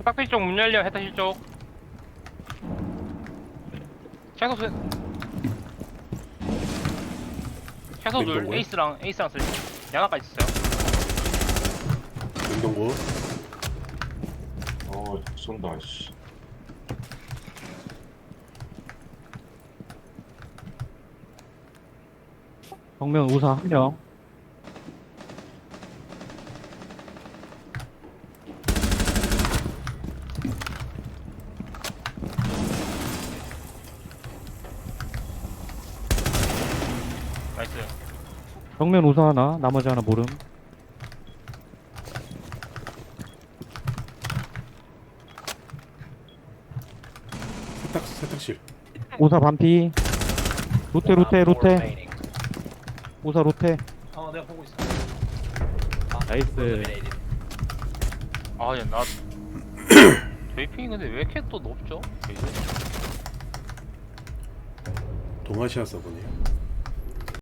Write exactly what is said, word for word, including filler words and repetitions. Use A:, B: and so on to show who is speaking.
A: 깍두기 쪽 문 열려. 해타실 쪽. 최소 세... 최소 둘.
B: 냉동고요?
A: 에이스랑 에이스랑 쓸. 양아까지 있어요.
B: 냉동고.
C: 어, 쏜다, 씨.
D: 정면 우사 한 명.
A: 나이스.
D: 정면 우사 하나, 나머지 하나 모름.
B: 세탁 세탁실.
D: 우사 반피. 로테 로테
E: Op four
D: 로테.
E: remaining.
D: 우사 로테.
F: 어 내가 보고 있어.
D: 나이스.
E: Eliminated.
A: 아, 야, 나. 베이핑이 근데 왜 이렇게 또 높죠? 베이스?
B: 동아시아 서버네요.